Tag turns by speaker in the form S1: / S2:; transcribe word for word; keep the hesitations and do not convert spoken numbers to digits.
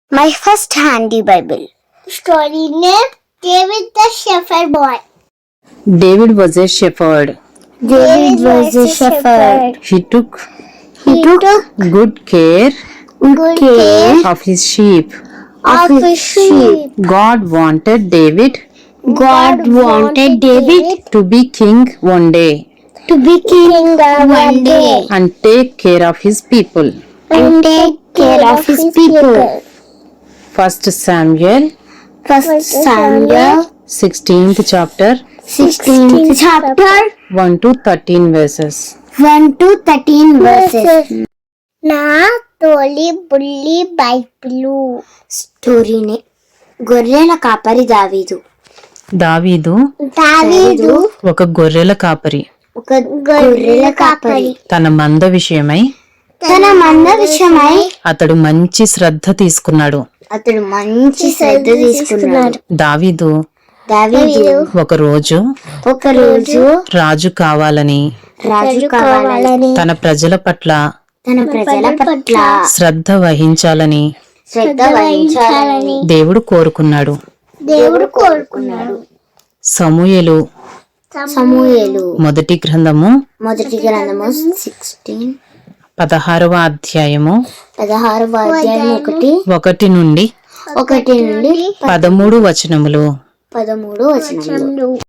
S1: My first handy Bible. Story name David the Shepherd Boy.
S2: David was a shepherd.
S1: David was a shepherd.
S2: He took
S1: He took
S2: good care
S1: good care
S2: of his sheep.
S1: of his sheep.
S2: God wanted David
S1: God wanted David
S2: to be king one day
S1: to be king one day
S2: and take care of his people.
S1: and take care of his people.
S2: First Samuel,
S1: First Samuel,
S2: sixteenth chapter,
S1: sixteenth chapter,
S2: one to thirteen verses.
S1: one to thirteen verses. నా తోలి బుల్లి Bible. స్టోరీని గొర్రెల కాపరి దావీదు.
S2: దావీదు
S1: దావీదు
S2: ఒక గొర్రెల కాపరి.
S1: ఒక గొర్రెల కాపరి.
S2: తన మంద విషయమై
S1: తన మంద విషయమై
S2: అతడు మంచి శ్రద్ధ తీసుకున్నాడు.
S1: అతడు మంచి శ్రద్ధ తీసుకున్నాడు.
S2: దావీదు
S1: దావీదు
S2: ఒక రోజు
S1: ఒక రోజు
S2: రాజు కావాలని
S1: రాజు కావాలని
S2: తన ప్రజల పట్ల
S1: తన ప్రజల పట్ల
S2: శ్రద్ధ వహించాలని
S1: శ్రద్ధ వహించాలని
S2: దేవుడు కోరుకున్నాడు.
S1: దేవుడు కోరుకున్నాడు.
S2: సమూయేలు
S1: సమూయేలు
S2: మొదటి గ్రంథము
S1: మొదటి గ్రంథము సిక్స్టీన్
S2: పదహారవ అధ్యాయము
S1: పదహారవ అధ్యాయం ఒకటి
S2: ఒకటి నుండి
S1: ఒకటి నుండి
S2: పదమూడు వచనములు.
S1: పదమూడు వచనములు.